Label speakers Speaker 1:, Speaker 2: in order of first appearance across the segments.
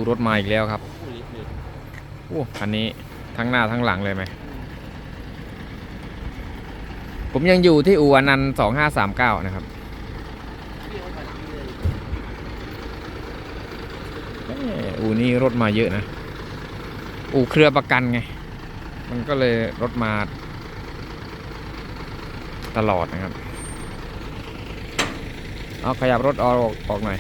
Speaker 1: รถมาอีกแล้วครับโอ้คันนี้ทั้งหน้าทั้งหลังเลยไหมผมยังอยู่ที่อู่อนันต์2539นะครับอู่นี้รถมาเยอะนะอู่เครือประกันไงมันก็เลยรถมาตลอดนะครับเอาขยับรถออกหน่อย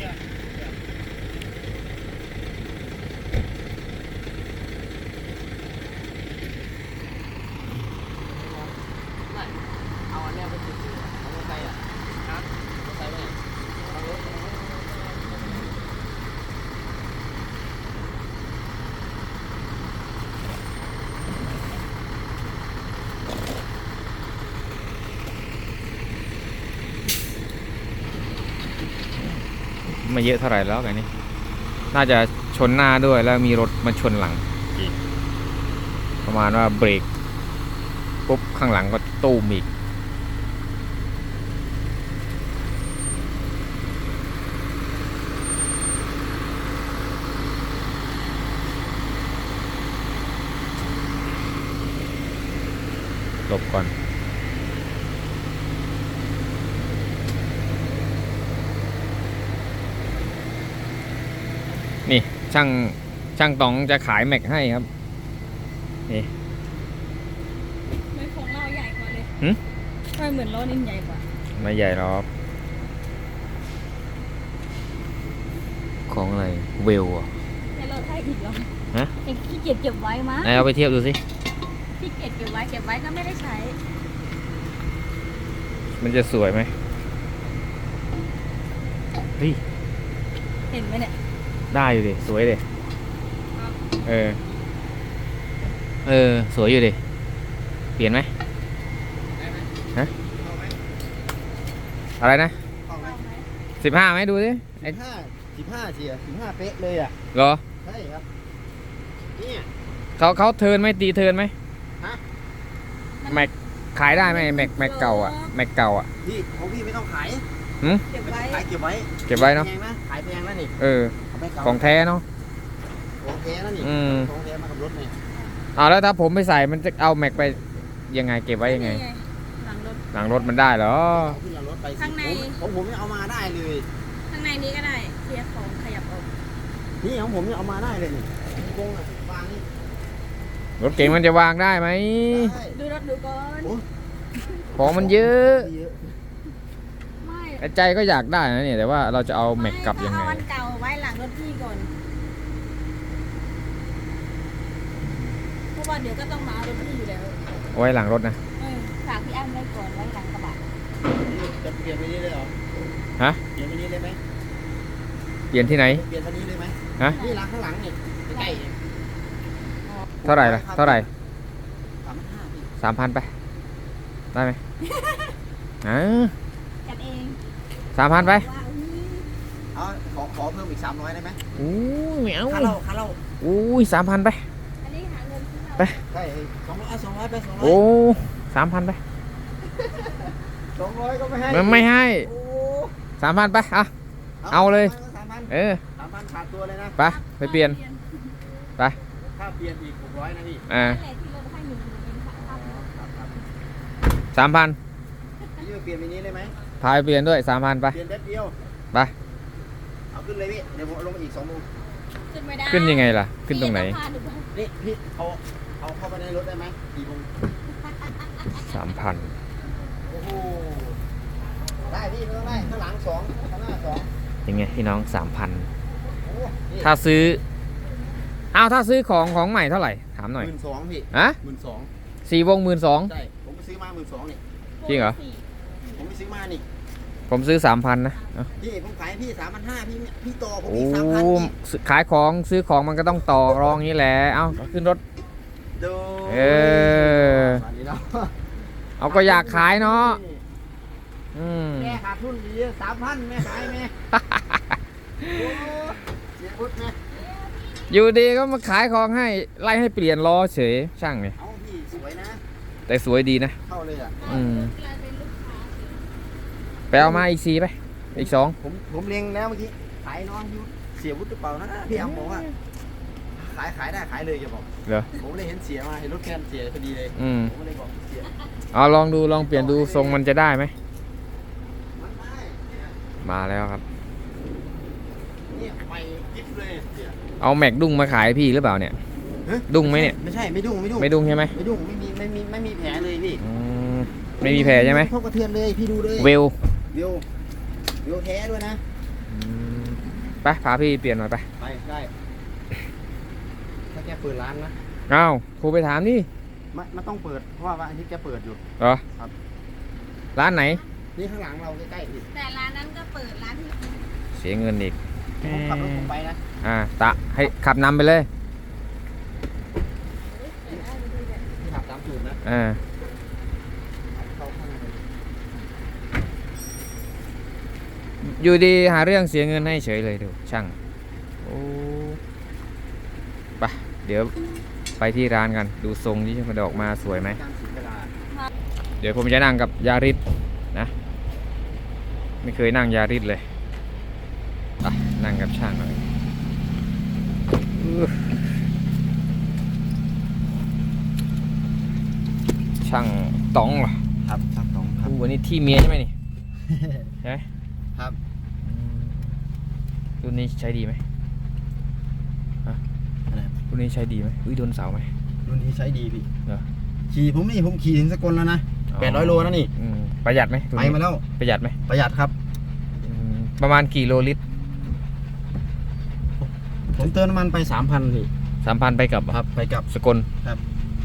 Speaker 1: ไม่เยอะเท่าไหร่แล้วกันนี้น่าจะชนหน้าด้วยแล้วมีรถมาชนหลังอีกประมาณว่าเบรกปุ๊บข้างหลังก็ตู้มอีกหลบก่อนนี่ช่างต๋องจะขายแม็กให้ครับนี่
Speaker 2: ไม่ของเราใหญ่กว่าเลย
Speaker 1: หืม
Speaker 2: ไม่เหมือนล้อนี่ใหญ่กว่า
Speaker 1: ไม่ใหญ่หรอกของอะไรเวลอ่ะ
Speaker 2: ในรถไทยอีกเหรอ
Speaker 1: ฮะ
Speaker 2: ยังขี้เกียจเก็บไว้มั้ง
Speaker 1: ไหนเอาไปเทียบดูสิ
Speaker 2: ขี้เกียจเก็บไว้ก็ไม่ได้ใช้
Speaker 1: มันจะสวยไหมเฮ้ย
Speaker 2: เห็นไหมเนี่ย
Speaker 1: ได้อยู่ดิสวยดิสวยอยู่ดิเปลี่ยนไหมฮะอะไรนะ15ไหมดูสิ
Speaker 3: 15เจีย15เป๊ะเลยอ่ะ
Speaker 1: เหรอ
Speaker 3: ใช่ครับเนี่ย
Speaker 1: เขาเทิร์นไหมตีเทิร์นไหม
Speaker 3: ฮะ
Speaker 1: แม็กขายได้ไหมแม็กเก่าอ่ะแม็กเก่าอ่ะ
Speaker 3: พี่ของพี่ไม่ต้องขาย
Speaker 2: เก็บไว้
Speaker 3: ขายเก็บไว้
Speaker 1: เนาะ
Speaker 3: แพงนะขายแพงนะนี่
Speaker 1: ของแท้เนาะ
Speaker 3: ของแท้นะนี่ของแท้มากับรถเนี่ย
Speaker 1: แล้วถ้าผมไปใส่มันจะเอาแม็กไปยังไงเก็บไว้ยังไงหลังรถมันได้เหรอ
Speaker 3: ขึ้นหลังรถไปข้างในผมยังเอามาได้เลย
Speaker 2: ข้างในนี้ก็ได้เคลียร์ของขยับออก
Speaker 3: นี่ของผมยังเอามาได้เลยนี่กงวางนี่
Speaker 1: รถเก๋งมันจะวางได้ไหม
Speaker 2: ดูรถดูก่อน
Speaker 1: ของมันเยอะใจก็อยากได้นะเนี่ยแต่ว่าเราจะเอาแม็กกลับยังไง
Speaker 2: เอาอันเก่าไว้หลังรถพี่ก่อนเพราะว่าเดี๋ยวก็ต้องมาเอารถพี่อยู่แล้ว
Speaker 1: ไว้หลังรถนะ
Speaker 2: ฝากพี่อ้ำไว้ก่อนไว้หลังกระบะ
Speaker 3: จะเปลี่ยนไปนี้เลยเหรอ
Speaker 1: ฮะ
Speaker 3: เปลี่ยนไปนี้เลยไหม
Speaker 1: เปลี่ยนที่ไหน
Speaker 3: เปลี่ยนไปนี้เลยไหม
Speaker 1: ฮะ
Speaker 3: นี่หลังข้างหลังนี่ใกล้
Speaker 1: เท่าไหร่ล่ะเท่าไหร่
Speaker 3: 3,500
Speaker 1: 3,000ไปได้ไหม
Speaker 2: กันเอง
Speaker 1: 3,000ไป
Speaker 3: เอาขอเพิ่มอีก300ได้ไหม
Speaker 1: อู้เหมียว
Speaker 3: ค่าเหล้า
Speaker 1: อู้3,000ไป
Speaker 2: อันนี้หาเงิน
Speaker 1: ไป
Speaker 3: ใช่200ไป200
Speaker 1: โอ้3,000ไป
Speaker 3: 200ก็ไม่ให้
Speaker 1: ไม่ให้3,000ไปเอาเลย
Speaker 3: 3,000ขาดตัวเลยนะ
Speaker 1: ไปเปลี่ยนไป
Speaker 3: ถ้าเปลี่ยนอีก600นะพี่
Speaker 1: 3,000
Speaker 3: พี่เปลี่ยนไปนี้เลยไหม
Speaker 1: พายเปลี่ยนด้วย3,000ไป
Speaker 3: เปลี่ยนแป๊บเดียว
Speaker 1: ไป
Speaker 3: เอาขึ้นเลยพี่เดี๋ยวผมลงมาอีก2 โมง
Speaker 1: ขึ้นยังไงล่ะขึ้นตรงไหน
Speaker 3: นี่พี่เอาเข้าไปในรถได้ไหม4 โมง
Speaker 1: 3,000
Speaker 3: โอ้โหได้พี่ไม่ต้องได้ข้างหลัง2ข้างหน้า2
Speaker 1: ยังไงพี่น้อง 3,000ถ้าซื้อถ้าซื้อของใหม่เท่าไหร่ถามหน่อย
Speaker 3: 12,000พี่
Speaker 1: 4 วง 12,000
Speaker 3: ใช่ผมไปซื้อมา12,000นี่
Speaker 1: จริงเหรอ
Speaker 3: ผมไปซื้อมานี่
Speaker 1: ผมซื้อ 3,000นะ
Speaker 3: พี่ผมขายพี่3,500พี่ต่อผมอีก3,000
Speaker 1: ขายของซื้อของมันก็ต้องต่อรองนี้แหละขึ้นรถ
Speaker 3: ดู
Speaker 1: เอาก็อยากขายเนาะ
Speaker 3: แม่ขาดทุนดี3,000แม่ขายแม่เสียพุทธแม่
Speaker 1: อยู่ดีก็มาขายของให้ไล่ให้เปลี่ยนล้อเฉยช่างเนี่ย
Speaker 3: พี่สวยนะ
Speaker 1: แต่สวยดีนะ
Speaker 3: เข้าเลย
Speaker 1: ไปเอามาอีก4ไปอีก2
Speaker 3: ผมเล็งแล้วเมื่อกี้ขายน้องเสียวุฒิหรือเปล่านะพี่อ้ำบอกว่าขายได้ขายเลยแกบอก
Speaker 1: เหรอ
Speaker 3: ผมเลยเห็นเสียมาเห็นรถแคนเสียพอดีเลย
Speaker 1: อืม
Speaker 3: ผมก็เลยบอกเสีย
Speaker 1: เอาลองดูลองเปลี่ยนดูทรงมันจะได้ไหม
Speaker 3: มันได้เนี่ย
Speaker 1: มาแล้วครับ
Speaker 3: เนี่ยไปยิบเลยเสีย
Speaker 1: เอาแม็กดุ้งมาขายพี่หรือเปล่าเนี่ย
Speaker 3: ฮะ
Speaker 1: ดุ้งไหมเนี่ย
Speaker 3: ไม่ใช่ไม่ดุ้ง
Speaker 1: ไม่ดุ้งใช่ไหม
Speaker 3: ไม่ดุ้งไม่มีแผลเลยพี่
Speaker 1: อืมไม่มีแผลใช่ไหม
Speaker 3: พวกกระเทือนเลยพี่ดูเลย
Speaker 1: เวล
Speaker 3: วิวแท้ด้วยนะ
Speaker 1: อืมไปพาพี่เปลี่ยนหน่อยไป
Speaker 3: ไปได้ถ้าแกเปิดร้านนะ
Speaker 1: อ้าวโทรไปถามนี่
Speaker 3: มันต้องเปิดเพราะว่าวันอาทิตย์แกเปิดอยู่
Speaker 1: เหรอ
Speaker 3: ครับ
Speaker 1: ร้านไหน
Speaker 3: นี่ข้างหลังเราใกล้ๆพี่
Speaker 2: แต่ร้านนั้นก็เปิดร้านที่
Speaker 1: เสียเงินอีก
Speaker 3: ผมขับรถผมไปนะ
Speaker 1: ตะให้ขับนำไปเลย
Speaker 3: ที่ขับตามสูตรนะ เข้าข้างใน
Speaker 1: อยู่ดีหาเรื่องเสียเงินให้เฉยเลยดูช่างโอ้ไปเดี๋ยวไปที่ร้านกันดูทรงที่มันออกมาสวยไหม
Speaker 3: การสีเวลา
Speaker 1: เดี๋ยวผมจะนั่งกับยาริสนะไม่เคยนั่งยาริสเลยไปนั่งกับช่างหน่อยช่างต๋องเหรอ
Speaker 3: ครับช่างตรงครับ
Speaker 1: วันนี้ที่เมียใช่ไหมนี่ ใช่ไหม
Speaker 3: ครับ
Speaker 1: รุ่นนี้ใช้ดีไหม
Speaker 3: อะไร
Speaker 1: รุ่นนี้ใช้ดีไหมโดนเสาไหม
Speaker 3: รุ่นนี้ใช้ดีพี่
Speaker 1: เหรอ
Speaker 3: ผมขี่ถึงสกลแล้วนะ800 โลนะนี่
Speaker 1: ประหยัดไหมรุ่น
Speaker 3: ไป
Speaker 1: นี้
Speaker 3: มาแล้ว
Speaker 1: ประหยัดไหม
Speaker 3: ประหยัดครับ
Speaker 1: ประมาณกี่โลลิตร
Speaker 3: ผมเติมน้ำมันไป 3,000พี่
Speaker 1: 3,000ไปกับ
Speaker 3: ครับไปกลับ
Speaker 1: สกล
Speaker 3: ครับ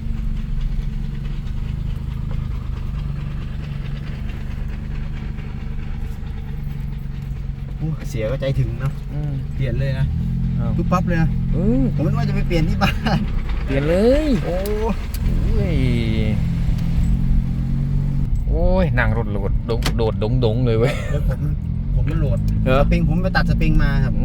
Speaker 3: เสียก็ใจถึงเนาะเปลี่ยนเลยนะ
Speaker 1: อ้าว
Speaker 3: ปุ๊บปั๊บเลยนะผมไม่ว่าจะไปเปลี่ยนที่บ้าน
Speaker 1: เปลี่ยนเลย
Speaker 3: โอ้
Speaker 1: โอ้ยนั่งรถโหลดโดดดงเลยเว้ย
Speaker 3: แล้วผมมันโหลด
Speaker 1: เหรอ
Speaker 3: สปริงผมไปตัดสปริงมาครับ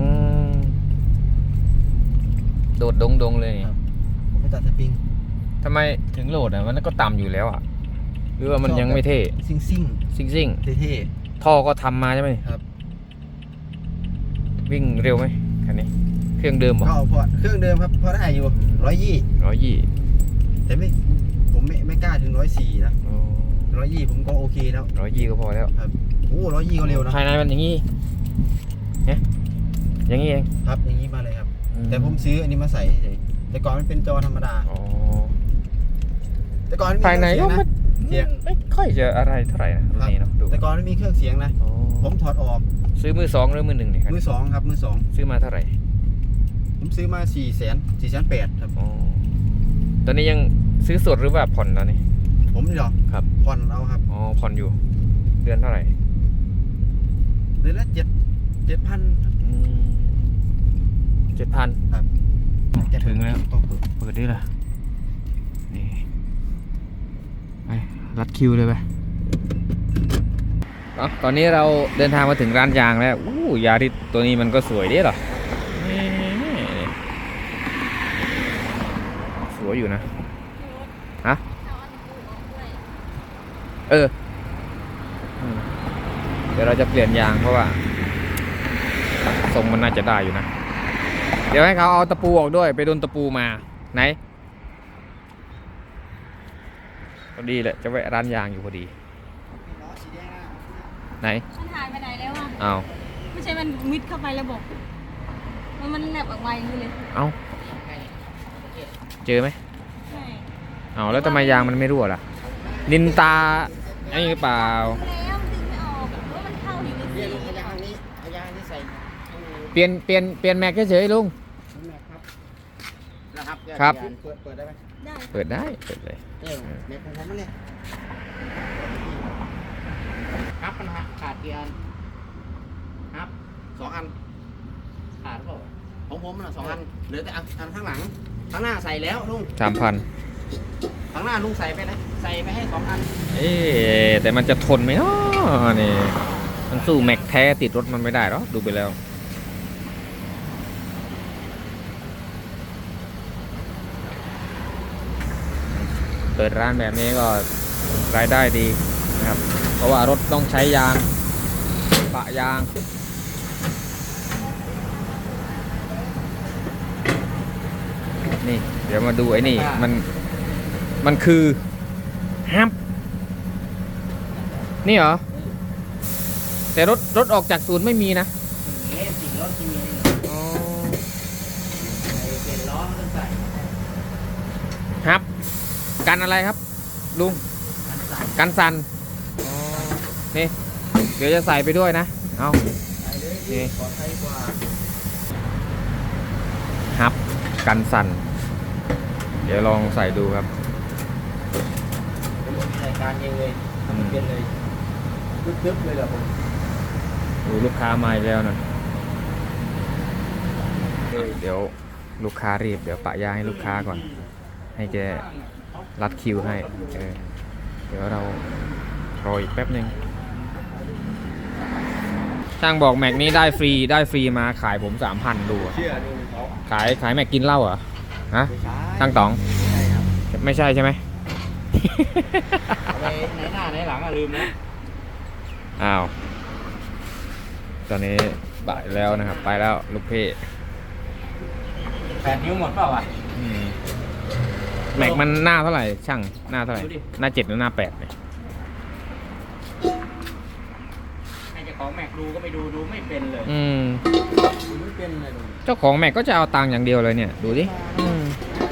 Speaker 1: โดดดงเลย
Speaker 3: ครับ ผมไปตัดสปริง
Speaker 1: ทำไมถึงโหลดอ่ะมันก็ต่ำอยู่แล้วอ่ะหรือว่ามันยังไม่เท่
Speaker 3: ซิ่ง
Speaker 1: ซิ่ง
Speaker 3: เท่
Speaker 1: ท่อก็ทำมาใช่ไหม
Speaker 3: ครับ
Speaker 1: วิ่งเร็วไหมคันนี้ เครื่องเดิม
Speaker 3: ๆ
Speaker 1: เหรอ
Speaker 3: ก็พอเครื่องเดิมครับพอได้อยู่120
Speaker 1: 120
Speaker 3: แต่ผมไม่กล้าถึง104นะ120ผมก็โอเคแล้ว
Speaker 1: 120ก็พอแล้ว
Speaker 3: โอ้120ก็เร็วนะ
Speaker 1: ภายในมันอย่างนี้เนี่ยอย่างนี้เอง
Speaker 3: ครับอย่างนี้มาเลยครับ แต่ผมซื้ออันนี้มาใส่เฉยแต่ก่อนมันเป็นจอธรรมดา
Speaker 1: อ๋อ
Speaker 3: แต่ก่อนมั
Speaker 1: ภายในก็
Speaker 3: เครื่องเสียงนะ
Speaker 1: ไม่ค่อยจะอะไรเท่าไหร่นะรุ่นนี้เนาะดู
Speaker 3: แต่ก่อนมันมีเครื่องเสียงนะ
Speaker 1: อ๋อ
Speaker 3: ผมถอดออก
Speaker 1: ซื้อมือสองหรือมือหนึ่งเนี่ยครับ
Speaker 3: มือสองครับมือสอง
Speaker 1: ซื้อมาเท่าไหร่
Speaker 3: ผมซื้อมา400,000ครับ
Speaker 1: อ๋อตอนนี้ยังซื้อสดหรือว่าผ่อนตอนนี้
Speaker 3: ผมนี่หรอ
Speaker 1: ครับ
Speaker 3: ผ่อนเอาครับ
Speaker 1: อ๋อผ่อนอยู่ เดือนเท่าไหร่
Speaker 3: เดือนละ7,000
Speaker 1: 7,000
Speaker 3: ครับ
Speaker 1: ถึงแล้ว
Speaker 3: ต้องเปิด
Speaker 1: เปิดได้ละนี่ไปรัดคิวเลยไปตอนนี้เราเดินทางมาถึงร้านยางแล้วยาริสตัวนี้มันก็สวยดีเหรอนี่สวยอยู่นะฮะ
Speaker 2: เอาอันกูออกด้วย
Speaker 1: เดี๋ยวเราจะเปลี่ยนยางเพราะว่าทรงมันน่าจะได้อยู่นะ เดี๋ยวให้เขาเอาตะปูออกด้วยไปโดนตะปูมาไหนพอดีแหละจะแวะร้านยางอยู่พอดี
Speaker 3: ล้อสีแดงนะ
Speaker 1: ไหน
Speaker 2: มันหายไปไหนแล้วอ่ะ
Speaker 1: เอา
Speaker 2: ไม่ใช่มันมิดเข้าไประบบมันแลบออกมาอย่างนี้เลย
Speaker 1: เอาเจอไหม
Speaker 2: ใช่
Speaker 1: เอาแล้วทำไมยางมันไม่รั่วล่ะนินตาไอ้หรือเปล่า
Speaker 2: แล้วมันดึงไม่ออกเพราะมันเข้าอยู่ใน
Speaker 3: เนี่
Speaker 2: สี
Speaker 3: ยลุงเอายางนี้ใส่
Speaker 1: เปลี่ยนแม็กเฉยๆลุง
Speaker 3: ครับนะครับ
Speaker 1: ครับ
Speaker 3: เปิดได้ไหม
Speaker 2: ได้
Speaker 1: เปิดได้เปิดเลย
Speaker 3: แม็กของผมมันเนี่ยครับมันขาดกี่อันครับ2 อันขาดหรือเปล่าของผมมัน2 อันเหลือแต่อันข้างหลังข้างหน้าใส่แล้วลุง
Speaker 1: 3,000
Speaker 3: ข้างหน้าลุงใส่ไปนะใส่ไปให้2 อัน
Speaker 1: แต่มันจะทนไหมเนาะนี่มันสู้แม็กแท้ติดรถมันไม่ได้หรอกดูไปแล้วเปิดร้านแบบนี้ก็รายได้ดีนะครับเพราะว่ารถต้องใช้ยางปะยางนี่ เดี๋ยวมาดูไอ้นี่มันคือฮับนี่เหรอ แต่รถออกจากศูนย์ไม่มีนะ
Speaker 3: นี่สิ่งรถที่มี
Speaker 1: อ๋อ
Speaker 3: เป็นล้อมันต้องใส่
Speaker 1: ฮับกันอะไรครับ ลุง
Speaker 3: มันใส่
Speaker 1: กันสั่นอ๋อนี่ เดี๋ยวจะใส่ไปด้วยนะ เอา
Speaker 3: ใส่เลย
Speaker 1: นี่
Speaker 3: ปลอดภัยกว่า
Speaker 1: ฮับกันสั่น เดี๋ยวลองใส่ดูครับ
Speaker 3: ผมมีรายการเองเลยทำเป็นเลยตึ๊บๆเลยเหรอผม
Speaker 1: ดูลูกค้ามาอีกแล้วนะเดี๋ยวลูกค้ารีบ เดี๋ยวปะยาให้ลูกค้าก่อน ให้แกรัดคิวให้เดี๋ยวเรารออีกแป๊บหนึ่งช่างบอกแม็กนี้ได้ฟรีมาขายผม 3,000 ดูอะ
Speaker 3: เชื่อดูเขา
Speaker 1: ขายแม็กกินเหล้าเหรอฮะ
Speaker 3: ไม่ใช่
Speaker 1: ช่างต๋อง
Speaker 3: ใช่ครับ
Speaker 1: ไม่ใช่ใช่ไหม
Speaker 3: เอาไปไหนหน้าไหนหลังอะลืมนะ
Speaker 1: อ้าว ตอนนี้บ่ายแล้วนะครับ ไปแล้วลูกเพ่
Speaker 3: 8 นิ้วหมดเปล่าวะ
Speaker 1: อืมแม็กมันหน้าเท่าไหร่ช่างหน้าเท่าไหร่
Speaker 3: ดูดิ
Speaker 1: หน้า 7 หรือหน้า 8เนี่ย
Speaker 3: ให้เจ้าของแม็กดูก็ไม่ดูไม่เป็นเลย
Speaker 1: อืม
Speaker 3: ดูไม่เป็นเลยดู
Speaker 1: เจ้าของแม็กก็จะเอาตังค์อย่างเดียวเลยเนี่ย ดูดิอืม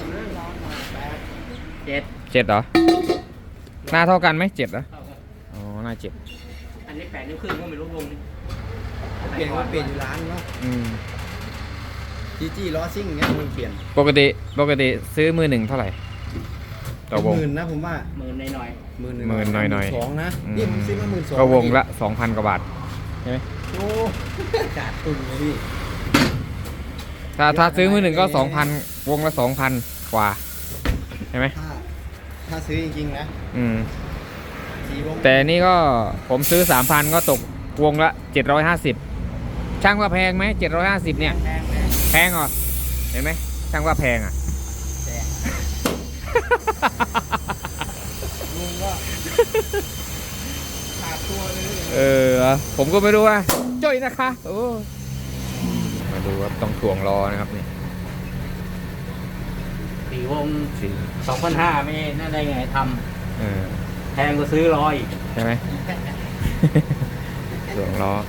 Speaker 3: 7
Speaker 1: 7เหรอ หน้าเท่ากันไหม7เหรอ อ๋อ หน้า 7
Speaker 3: อันนี้8 นิ้วครึ่งก็ไม่รู้วงนี้
Speaker 4: เปลี่ยนก็เปลี่ยนอยู่ร้านเนาะ
Speaker 1: อืม
Speaker 4: จีล้อซิ่งเงี้ยมันเปลี่ยน
Speaker 1: ปกติซื้อมือหนึ่งเท่าไหร่ ต่อวง
Speaker 4: หมื่นนะผมว่า
Speaker 3: หมื่นหน่อย
Speaker 4: หมื่น
Speaker 1: หมื่นหน่อยๆ
Speaker 4: สองนะ
Speaker 1: อืม
Speaker 4: นี่ผมซื้อมา12,000
Speaker 1: ก็วงละ 2,000 กว่าบาท ใช่ไหม
Speaker 4: โอ้ขาดทุนเลยพี่
Speaker 1: ถ้าซื้อมือหนึ่งก็ 2,000 วงละ 2,000 กว่า ใช่ไหม
Speaker 4: ถ้าซื้อจริงๆนะ
Speaker 1: อืม
Speaker 4: สีวง
Speaker 1: แต่นี่ก็ผมซื้อ 3,000 ก็ตกวงละ 750 ช่างว่าแพงไหม750 เนี่ย
Speaker 3: ๆแพง
Speaker 1: แพงเหรอ เห็นไหมช่างว่าแพงอ่ะ
Speaker 3: แพง
Speaker 4: ลุงก็ขาดตัวเลย
Speaker 1: ผมก็ไม่รู้ว่าจ้อยนะคะโอ้มาดูครับต้องถ่วงรอนะครับนี่
Speaker 3: สี่วง
Speaker 1: สี
Speaker 3: 2,500ไม่น่าได้ไงท
Speaker 1: เออ
Speaker 3: ำแพงกว่าซื้อร้อยอีก
Speaker 1: ใช่ไหม ถ่วงรอ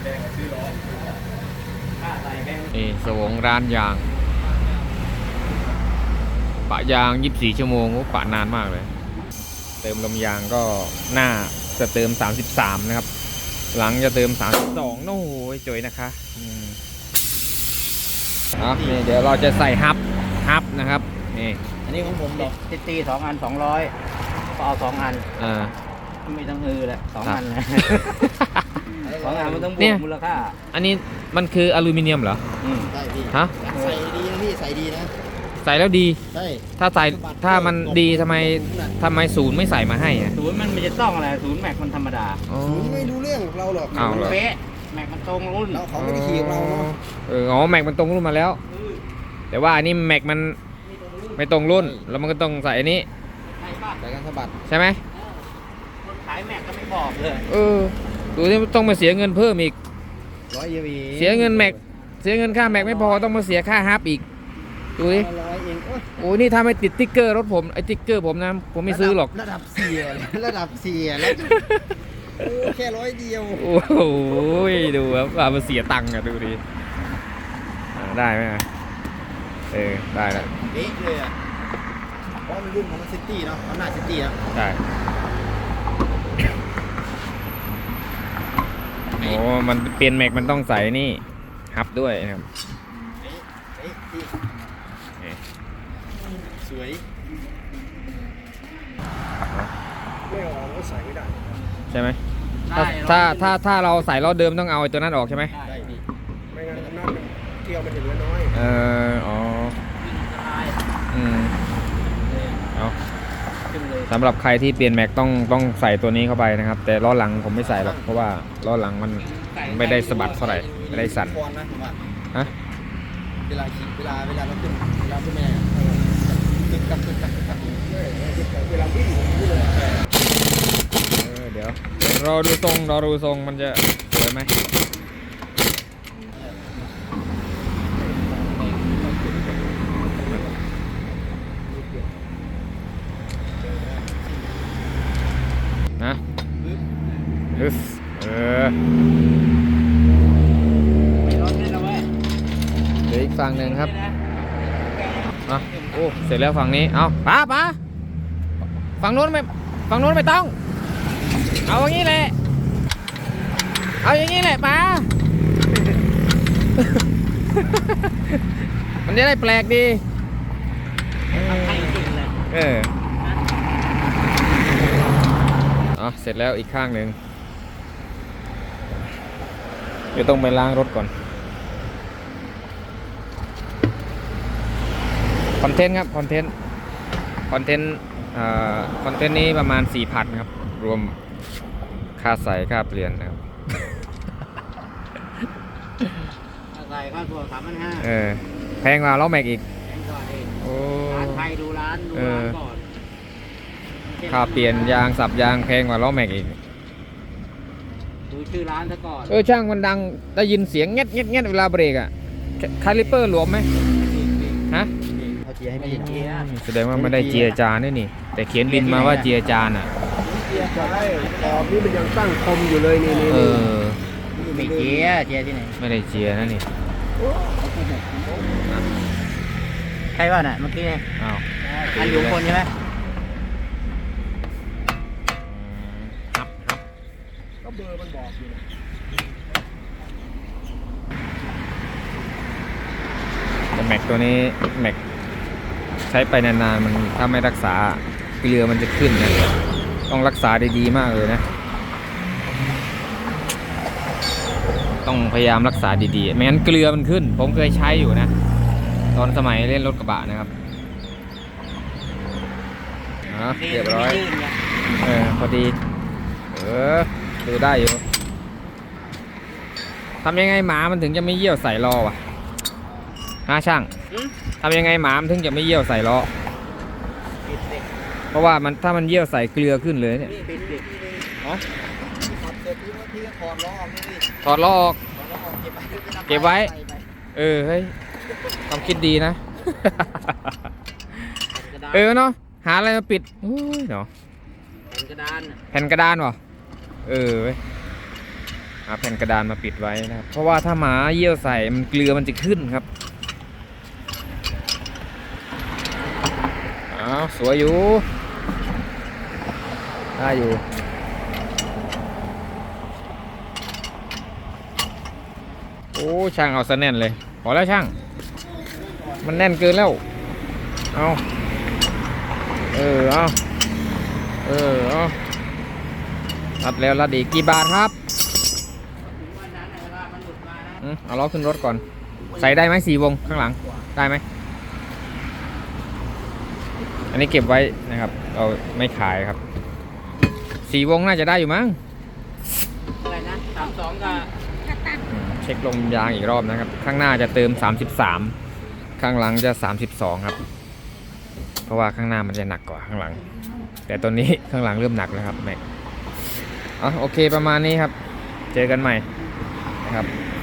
Speaker 3: ค่าใส่แพง
Speaker 1: นี่สวงร้านยาง ปะยาง 24 ชั่วโมงโอ้ปะนานมากเลย เติมลมยางก็หน้าจะเติม 33 นะครับ หลังจะเติม 32โอ้โหจอยนะคะนี่เดี๋ยวเราจะใส่ฮับนะครับ นี่
Speaker 4: อันนี้ของผมดอก
Speaker 3: ซิตี้2 อัน 200ก็เอา2 อัน
Speaker 1: อ่า
Speaker 3: ไม่ต้องฮือแหละ2 อันนะ
Speaker 4: สอง
Speaker 3: 2 อันมันต้องบ
Speaker 1: เนี่
Speaker 3: วย กมูลค่า
Speaker 1: อันนี้มันคืออลูมิเนียมเหรอ
Speaker 4: ได้พี่
Speaker 1: ฮะ
Speaker 4: ใส่ดีนะพี่ใส่ดีนะ
Speaker 1: ใส่แล้วดี
Speaker 4: ใช่
Speaker 1: ถ้ามันดีทำไมศูนย์ไม่ใส่มาให้อ่ะ
Speaker 3: ศูนย์มันไม่จะต้องอะไรศูนย์แม็กมันธรรมดา
Speaker 1: อ๋อ
Speaker 4: ศูนย์ไม่รู้เรื่องกับเราหรอก
Speaker 1: อ้าวเหรอ
Speaker 3: เป๊ะแม็กมันตรงรุ่น
Speaker 4: เราเขาไม่ได้ขี่กับเราเนาะ
Speaker 1: อ๋อแม็กมันตรงรุ่นมาแล้ว แต่ว่าอันนี้แม็กมันไม่ตรงรุ่น แล้วมันก็ต้องใส่อันนี้
Speaker 3: ใช่ป่ะ
Speaker 4: ใส่กันสะบัด
Speaker 1: ใช่ไหม
Speaker 3: คนขายแม็กก็ไม่บอกเลย
Speaker 1: ดูที่ต้องมาเสียเงินเพิ่มอีก
Speaker 4: 100เยวี
Speaker 1: เสียเงินแม็กเสียเงินค่าแม็กไม่พอต้องมาเสียค่าฮับอีก ดูดิ
Speaker 4: 100เองโอ๊ย
Speaker 1: โอ้นี่ถ้าไม่ติดติ๊กเกอร์รถผมไอ้ติ๊กเกอร์ผมนะผมไม่ซื้อหรอก
Speaker 4: ระดับเสียระดับเสียแล้วโอ้แค่100เดียว
Speaker 1: โอ้โหดูครับว่ามันเสียตังค์อะดูดิได้ไหมอะได้แล้ว
Speaker 4: เป๊ะเลยอ่ะเพราะมันรุ่นของมันซิตี้เนาะมันหน้าซิตี้นะ
Speaker 1: ได้โอ้มันเปลี่ยนแม็กมันต้องใส่นี่ฮับด้วยนะครับ
Speaker 4: เป๊ะพี่
Speaker 1: นี่
Speaker 4: สวยไม่ออกก็ใส่ไม่ได้
Speaker 1: ใช่ไหม
Speaker 3: ได้
Speaker 1: ถ้าเราใส่ล้อเดิมต้องเอาไอ้ตัวนั้นออกใช่ไหม
Speaker 4: ได้พี่
Speaker 5: ไม่งั้นนั่นเที่ยวไปถึงแล้วน้อย
Speaker 1: อ๋อ
Speaker 3: สบาย
Speaker 1: เอา
Speaker 3: ขึ้นเลย
Speaker 1: สำหรับใครที่เปลี่ยนแม็กต้องใส่ตัวนี้เข้าไปนะครับ แต่ล้อหลังผมไม่ใส่หรอกเพราะว่าล้อหลังมันไม่ได้สะบัดเท่าไหร่ไม่ได้สั่น
Speaker 4: คอนนะผมว่า
Speaker 1: ฮะ
Speaker 4: เวลาขี่เวลาเราขึ้นแม่ตึกกัก
Speaker 5: เวลาวิ่งนี่เลย
Speaker 1: เดี๋ยวรอดูทรงมันจะสวยไหมนึ่งครับอ่ะโอ้เสร็จแล้วฝั่งนี้เอาป้าฝั่งโน้นไม่ต้องเอาอย่างนี้แหละเอาอย่างนี้แหละป้า มันจะได้แปลกดี
Speaker 3: ใช่จริงเลย
Speaker 1: อ๋อเสร็จแล้วอีกข้างหนึ่งเดี๋ยวต้องไปล้างรถก่อนคอนเทนต์ครับคอนเทนต์นี้ประมาณ 4,000 ครับรวมค่าใส่ค่าเปลี่ยนนะครับ
Speaker 3: อะไรค่าตัว3,500
Speaker 1: แพงกว่าล้อแม็กอีก
Speaker 3: แพงกว่าเอง
Speaker 1: โอ้
Speaker 3: ร้านไทยดูร้านก่อน
Speaker 1: ค่าเปลี่ยนยางสับยางแพงกว่าล้อแม็กอีก
Speaker 3: ดูชื่อร้านซะก่อน
Speaker 1: ช่างมันดังได้ยินเสียงเงี้ยเวลาเบรกอ่ะคาลิเปอร์หลวมไหมฮะ
Speaker 4: เขาเจียให้
Speaker 3: ไม่
Speaker 4: พี่
Speaker 3: ได้เกียร์
Speaker 1: แสดงว่าไม่ได้เจียจานด้วยนี่ แต่เขียนบินมาว่าเจียจานอ่ะ
Speaker 5: ใช่ขอบนี่มันยังตั้งคมอยู่เลยนี่
Speaker 3: ไม่เกียร์ที่ไหน
Speaker 1: ไม่ได้เจียนะนี่
Speaker 3: ใช่ป่ะน่ะเมื่อกี้เนี่ย
Speaker 1: อ้าว
Speaker 3: อันอยู่คนใช่ไหม
Speaker 5: ก็เบอร์มันบอกอยู่นะ
Speaker 1: แต่แม็กตัวนี้แม็กใช้ไปนานๆมันถ้าไม่รักษาเกลือมันจะขึ้นนะต้องรักษาดีๆมากเลยนะ ต้องพยายามรักษาดีๆไม่งั้นเกลือมันขึ้น ผมเคยใช้อยู่นะ ตอนสมัยเล่นรถกระบะนะครับเรียบร้อยพอดีดูได้อยู่ทำยังไงหมามันถึงจะไม่เยี่ยวใส่ล้อวะช่างทำยังไงหมามันถึงจะไม่เยี่ยวใส่ล้อเพราะว่ามันถ้ามันเยี่ยวใส่เกลือขึ้นเลยเนี่ย
Speaker 4: ขับเสร็จพี่ก็ถอดล้อออกนี่
Speaker 1: ถอดล้อออก
Speaker 4: ถอดล้อออกเก็บไว้
Speaker 1: เก็บไว้ เฮ้ยความคิดดีนะ เนาะหาอะไรมาปิดโอ้ยเนาะ
Speaker 3: กระดาน
Speaker 1: แผ่นกระดานวะเว้ยหาแผ่นกระดานมาปิดไว้นะครับเพราะว่าถ้าหมาเยี่ยวใส่มันเกลือมันจะขึ้นครับสวยอยู่ได้อยู่โอ้ช่างเอาซะแน่นเลยพอแล้วช่างมันแน่นเกินแล้วเอารัดแล้วรัดอีกกี่บาทครับเอาล้อขึ้นรถก่อนใส่ได้ไหม4 วงข้างหลังได้ไหมอันนี้เก็บไว้นะครับเราไม่ขายครับ4 วงน่าจะได้อยู่มั้ง
Speaker 3: อะไรนะ32กับ
Speaker 1: เช็คลมยางอีกรอบนะครับข้างหน้าจะเติม33ข้างหลังจะ32ครับเพราะว่าข้างหน้ามันจะหนักกว่าข้างหลังแต่ตอนนี้ข้างหลังเริ่มหนักแล้วครับแม็กโอเคประมาณนี้ครับเจอกันใหม่นะครับ